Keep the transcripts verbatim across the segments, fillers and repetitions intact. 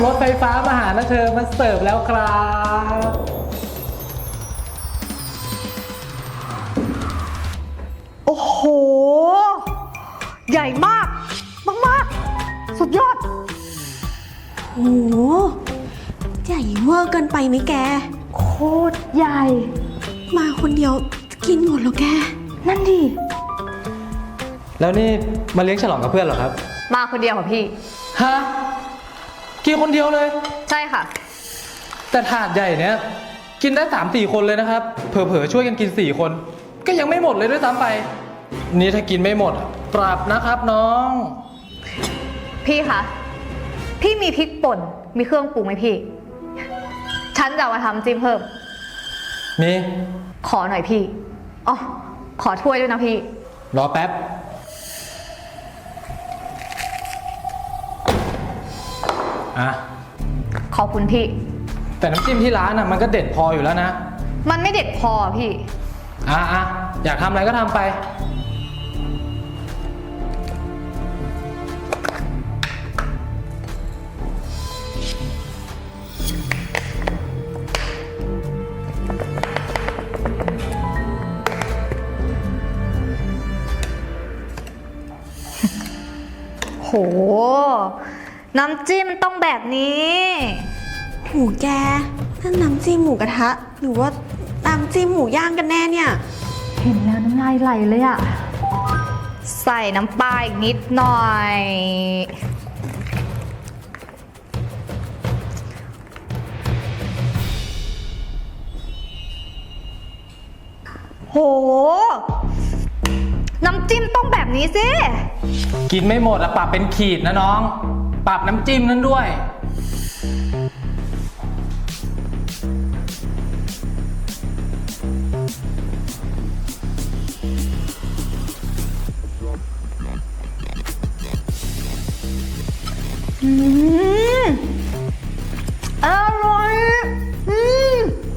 รถไฟฟ้ามาหานะเธอมาเสิร์ฟแล้วครับโอ้โห ใหญ่มากมากๆสุดยอดโหใหญ่เวอร์เกินไปไหมแกโคตรใหญ่มาคนเดียวกินหมดแล้วแกนั่นดิแล้วนี่มาเลี้ยงฉลองกับเพื่อนเหรอครับมาคนเดียวเหรอพี่ฮะกินคนเดียวเลยใช่ค่ะแต่ถาดใหญ่เนี้ยกินได้สามสี่คนเลยนะครับเผลอๆช่วยกันกินสี่คน ก็ยังไม่หมดเลยด้วยซ้ำไป นี่ถ้ากินไม่หมดปรับนะครับน้องพี่คะ พี่มีพริกป่น มีเครื่องปรุงไหมพี่ ฉันจะเอามาทำจิ้มเพิ่มมีขอหน่อยพี่ อ๋อ ขอถ้วยด้วยนะพี่รอแป๊บอ่ะขอบคุณพี่แต่น้ำจิ้มที่ร้านอ่ะมันก็เด็ดพออยู่แล้วนะมันไม่เด็ดพอพี่อ่ะอ่ะอยากทำอะไรก็ทำไปโห น้ำจิ้มมันต้องแบบนี้หูแกนั่นน้ำจิ้มหมูกระทะ หรือว่าน้ำจิ้มหมูย่างกันแน่เนี่ยเห็นแล้วน้ำลายไหลเลยอะใส่น้ำปลาอีกนิดหน่อย โห น้ำจิ้มต้องแบบนี้สิกินไม่หมดอะปรับเป็นขีดนะน้อง ปรับน้ำจิ้มนั้นด้วยอืมอร่อยอืม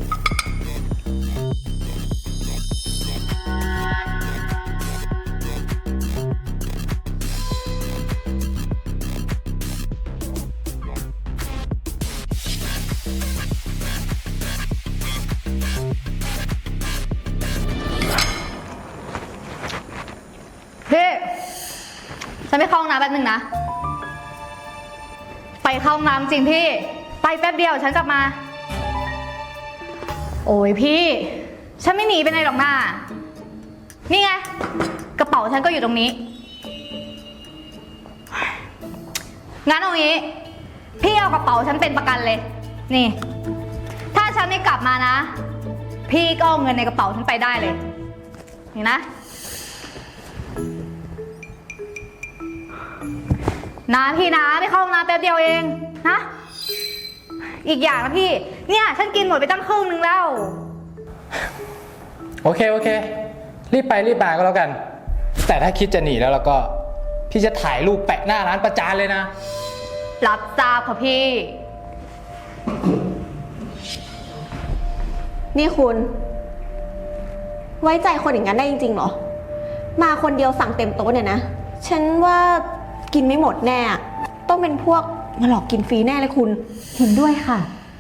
พี่ฉันไปเข้าห้องน้ำแป๊บนึงนะ ไปเข้าห้องน้ำจริงพี่ ไปแป๊บเดียวฉันกลับมา โอ้ยพี่ ฉันไม่หนีไปไหนหรอกนะนี่ไง กระเป๋าฉันก็อยู่ตรงนี้ งั้นเอางี้ พี่เอากระเป๋าฉันเป็นประกันเลย นี่ ถ้าฉันไม่กลับมานะ พี่ก็เอาเงินในกระเป๋าฉันไปได้เลย นี่นะนะพี่นะไม่เข้าห้องน้ำแป๊บเดียวเองนะ อีกอย่างนะพี่ เนี่ยฉันกินหมดไปตั้งครึ่งนึงแล้วโอเคโอเค รีบไปรีบมาก็แล้วกัน แต่ถ้าคิดจะหนีแล้วแล้วก็ พี่จะถ่ายรูปแปะหน้าร้านประจานเลยนะรับทราบค่ะพี่นี่คุณ ไว้ใจคนอย่างนั้นได้จริงๆเหรอ มาคนเดียวสั่งเต็มโต๊ะเนี่ยนะ ฉันว่ากินไม่หมดแน่ ต้องเป็นพวกมาหลอกกินฟรีแน่เลยคุณเห็นด้วยค่ะ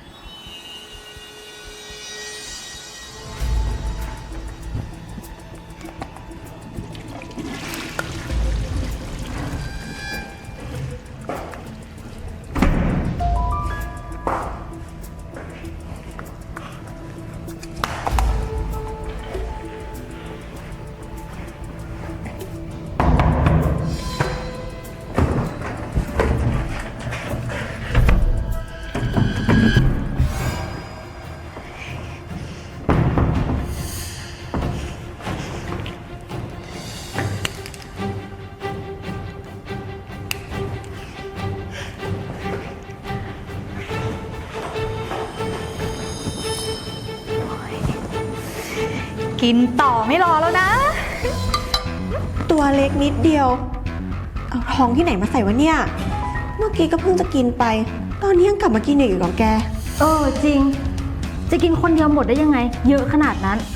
กินต่อไม่รอแล้วนะตัวเล็กนิดเดียว เอาท้องที่ไหนมาใส่วะเนี่ย เมื่อกี้ก็เพิ่งจะกินไป ตอนนี้ยังกลับมากินอีกเหรอแกเออจริง จะกินคนเดียวหมดได้ยังไง เยอะขนาดนั้น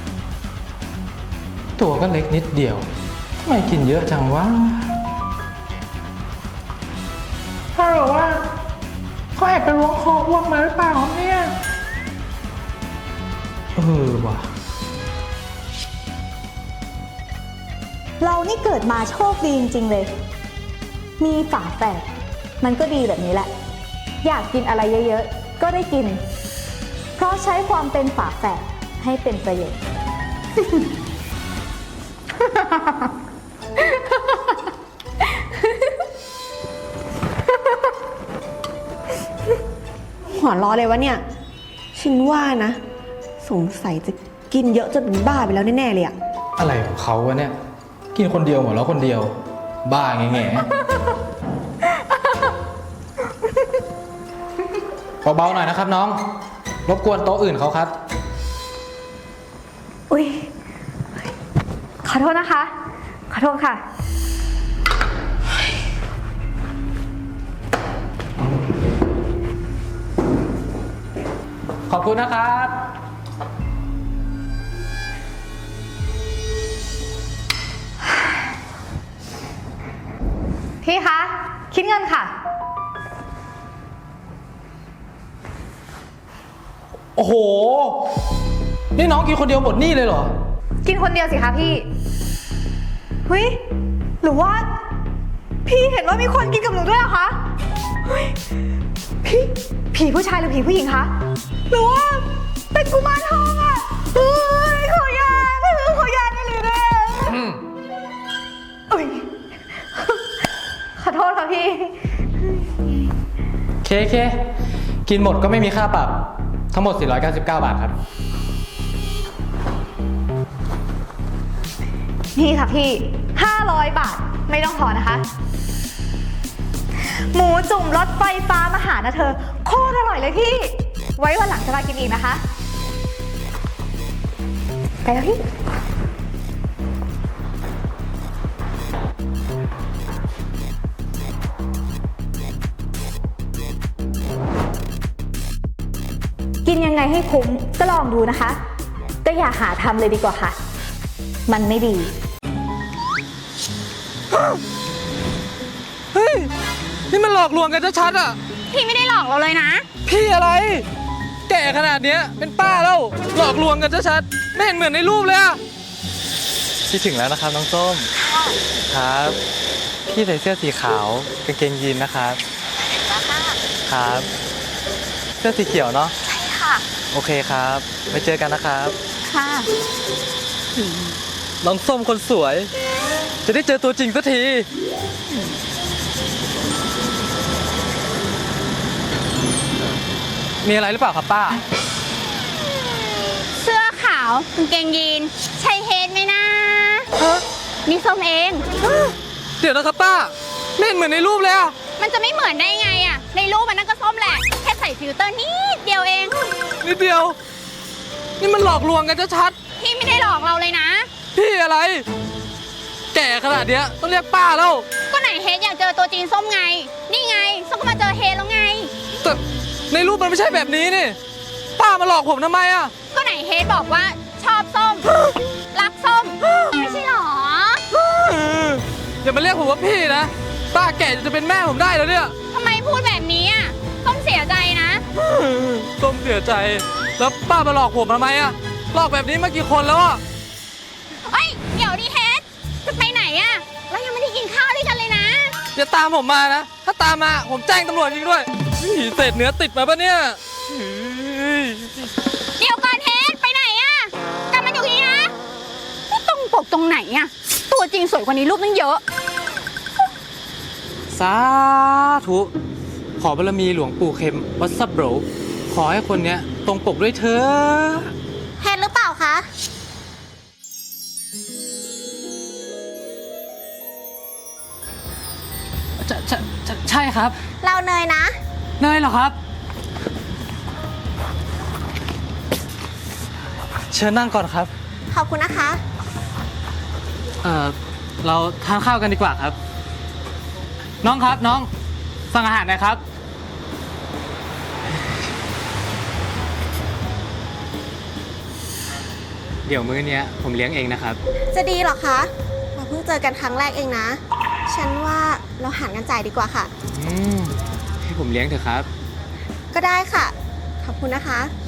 ตัวก็เล็กนิดเดียวทำไมกินเยอะจังวะแอบไปล้วงคออ้วกมาหรือเปล่าครับเนี่ยเออว่ะเรานี่เกิดมาโชคดีจริงๆเลย มีฝาแฝดมันก็ดีแบบนี้แหละ อยากกินอะไรเยอะๆ ก็ได้กิน เพราะใช้ความเป็นฝาแฝดให้เป็นประโยชน์หัวล้อเลยวะเนี่ย ฉันว่านะ สงสัยจะกินเยอะจนเป็นบ้าไปแล้วแน่ๆเลยอะอะไรของเขาวะเนี่ย กินคนเดียวหมดแล้วคนเดียว บ้าแง่แง่เบาๆหน่อยนะครับน้อง รบกวนโต๊ะอื่นเขาครับอุ๊ย ขอโทษนะคะ ขอโทษค่ะขอบคุณนะครับพี่คะ คิดเงินค่ะโอ้โห นี่น้องกินคนเดียวหมดนี่เลยเหรอกินคนเดียวสิคะพี่ เฮ้ย หรือว่า พี่เห็นว่ามีคนกินกับหนูด้วยเหรอคะ เฮ้ย พี่ ผีผู้ชายหรือผีผู้หญิงคะ หรือว่าเป็นกุมารทองอะเฮ้ยขอยาถ้าหรือขอยาได้เลยนะอืมอุ๊ย ขอโทษค่ะพี่เคเค กินหมดก็ไม่มีค่าปรับ ทั้งหมด สี่ร้อยเก้าสิบเก้า บาทครับนี่ค่ะพี่ ห้าร้อยบาท ไม่ต้องทอนนะคะ หมูจุ่มรสไฟฟ้ามาหานะเธอ โคตรอร่อยเลยพี่ ไว้วันหลังจะมากินอีกนะคะ ไปแล้วพี่กินยังไงให้คุ้มก็ลองดูนะคะ ก็อย่าหาทำเลยดีกว่าค่ะ มันไม่ดีเฮ้ย นี่มันหลอกลวงกันชัดๆอ่ะพี่ไม่ได้หลอกเราเลยนะพี่อะไร แก่ขนาดเนี้ยเป็นป้าแล้ว หลอกลวงกันชัดๆไม่เห็นเหมือนในรูปเลยอะคิดถึงแล้วนะครับน้องส้ม ครับ พี่ใส่เสื้อสีขาวกางเกงยีนนะครับครับ เสื้อสีเขียวเนาะใช่ค่ะโอเคครับไว้เจอกันนะครับค่ะน้องส้มคนสวย จะได้เจอตัวจริงสักที มีอะไรหรือเปล่าครับป้าเสื้อขาวกางเกงยีนใช่เฮดไหมนะนี่ส้มเองเดี๋ยวนะครับป้าไม่เห็นเหมือนในรูปเลยอะมันจะไม่เหมือนได้ไงอะในรูปมันนั่นก็ส้มแหละ แค่ใส่ฟิลเตอร์นิดเดียวเองนิดเดียว นี่มันหลอกลวงกันชัดพี่ไม่ได้หลอกเราเลยนะๆพี่อะไร แก่ขนาดเนี้ยต้องเรียกป้าแล้วก็ไหนเฮดอยากเจอตัวจริงส้มไง นี่ไงส้มก็มาเจอเฮดแล้วไงแต่ในรูปมันไม่ใช่แบบนี้นี่ ป้ามาหลอกผมทำไมอะก็ไหนเฮดบอกว่าชอบส้ม รักส้ม ไม่ใช่หรออย่ามาเรียกผมว่าพี่นะ ป้าแก่จะเป็นแม่ผมได้แล้วเนี่ยทำไมพูดแบบนี้อะส้มเสียใจนะส้มเสียใจ แล้วป้ามาหลอกผมทำไมอะหลอกแบบนี้มากี่คนแล้วอะเอ้ย เดี๋ยวดิเฮดจะไปไหนอะเรายังไม่ได้กินข้าวด้วยกันเลยนะอย่าตามผมมานะ ถ้าตามมาผมแจ้งตำรวจจริงด้วยนี่เศษเนื้อติดมาปะเนี่ยเฮ้ยเดี๋ยวก่อนเฮดไปไหนอะกลับมาอยู่นี่นะนี่ตรงปกตรงไหนอะตัวจริงสวยกว่านี้รูปตั้งเยอะสาธุ ขอบารมีหลวงปู่เข็มวัดซับโบรขอให้คนเนี้ยตรงปกด้วยเธอเฮดหรือเปล่าคะใช่ใช่ใช่ใช่ครับเราเนยนะเนยเหรอครับ เชิญนั่งก่อนครับขอบคุณนะคะเอ่อ เราทานข้าวกันดีกว่าครับ น้องครับน้อง สั่งอาหารหน่อยครับ เดี๋ยวมื้อเนี้ยผมเลี้ยงเองนะครับจะดีเหรอคะ เราเพิ่งเจอกันครั้งแรกเองนะ ฉันว่าเราหารกันจ่ายดีกว่าค่ะอืมให้ผมเลี้ยงเถอะครับก็ได้ค่ะ ขอบคุณนะคะ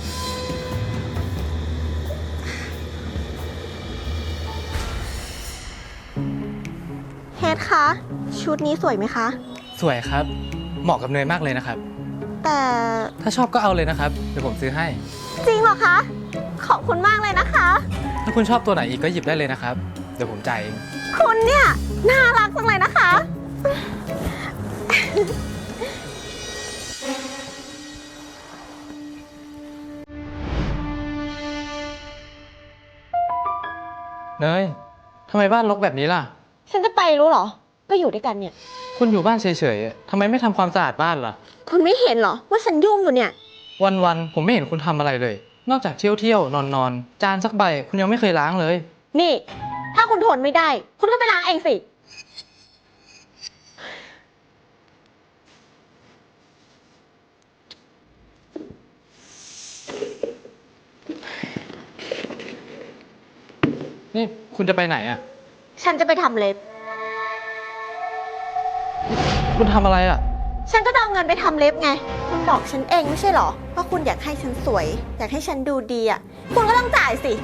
เฮดคะ ชุดนี้สวยไหมคะสวยครับ เหมาะกับเนยมากเลยนะครับแต่ถ้าชอบก็เอาเลยนะครับ เดี๋ยวผมซื้อให้จริงเหรอคะ ขอบคุณมากเลยนะคะถ้าคุณชอบตัวไหนอีกก็หยิบได้เลยนะครับ เดี๋ยวผมจ่ายเองคุณเนี่ย น่ารักจังเลยนะคะเนยทำไมบ้านรกแบบนี้ล่ะฉันจะไปรู้เหรอ ก็อยู่ด้วยกันเนี่ยคุณอยู่บ้านเฉยๆทำไมไม่ทำความสะอาดบ้านล่ะคุณไม่เห็นเหรอ ว่าฉันยุ่งอยู่เนี่ยวันๆผมไม่เห็นคุณทำอะไรเลย นอกจากเที่ยวเที่ยวนอนนอนๆจานสักใบคุณยังไม่เคยล้างเลยนี่ ถ้าคุณทนไม่ได้ คุณก็ไปล้างเองสินี่คุณจะไปไหนอ่ะฉันจะไปทำเล็บคุณทำอะไรอ่ะฉันก็จะเอาเงินไปทำเล็บไง คุณบอกฉันเองไม่ใช่เหรอ ว่าคุณอยากให้ฉันสวย อยากให้ฉันดูดีอ่ะ คุณก็ต้องจ่ายสิ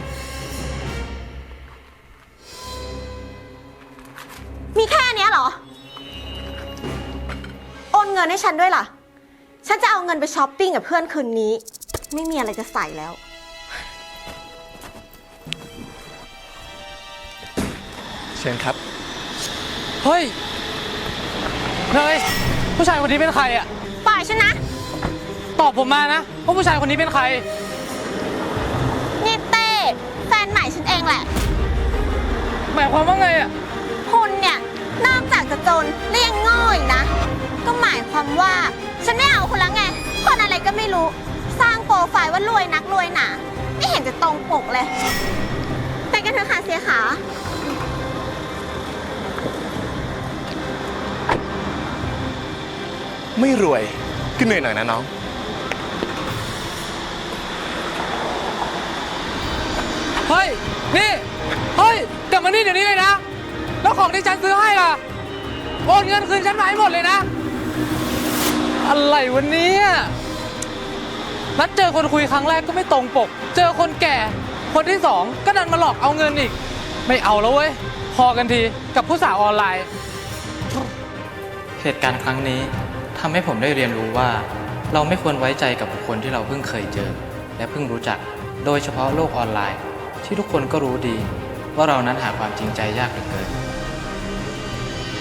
มีแค่เนี้ยเหรอ โอนเงินให้ฉันด้วยล่ะ ฉันจะเอาเงินไปช้อปปิ้งกับเพื่อนคืนนี้ ไม่มีอะไรจะใส่แล้วเชิญครับ เฮ้ย เนยผู้ชายคนนี้เป็นใครอ่ะปล่อยฉันนะตอบผมมานะว่าผู้ชายคนนี้เป็นใครนี่เต้แฟนใหม่ฉันเองแหละหมายความว่าไงอ่ะคุณเนี่ย นอกจากจะจนและยังโง่อีกนะ ก็หมายความว่าฉันไม่เอาคุณแล้วไง คนอะไรก็ไม่รู้ สร้างโปรไฟล์ว่ารวยนักรวยหนา ไม่เห็นจะตรงปกเลย ไปกันเถอะค่ะเสียขาไม่รวยก็เหนื่อยหน่อยนะน้องเฮ้ย นี่ เฮ้ย กลับมานี่เดี๋ยวนี้เลยนะ แล้วของที่ฉันซื้อให้ล่ะ โอนเงินคืนฉันมาให้หมดเลยนะ อะไรวันนี้นัดเจอคนคุยครั้งแรกก็ไม่ตรงปก เจอคนแก่ คนที่สองก็ดันมาหลอกเอาเงินอีก ไม่เอาแล้วเว้ย พอกันทีกับผู้สาวออนไลน์ เหตุการณ์ครั้งนี้ทำให้ผมได้เรียนรู้ว่า เราไม่ควรไว้ใจกับบุคคลที่เราเพิ่งเคยเจอ และเพิ่งรู้จัก โดยเฉพาะโลกออนไลน์ ที่ทุกคนก็รู้ดี ว่าเรานั้นหาความจริงใจยากเหลือเกิน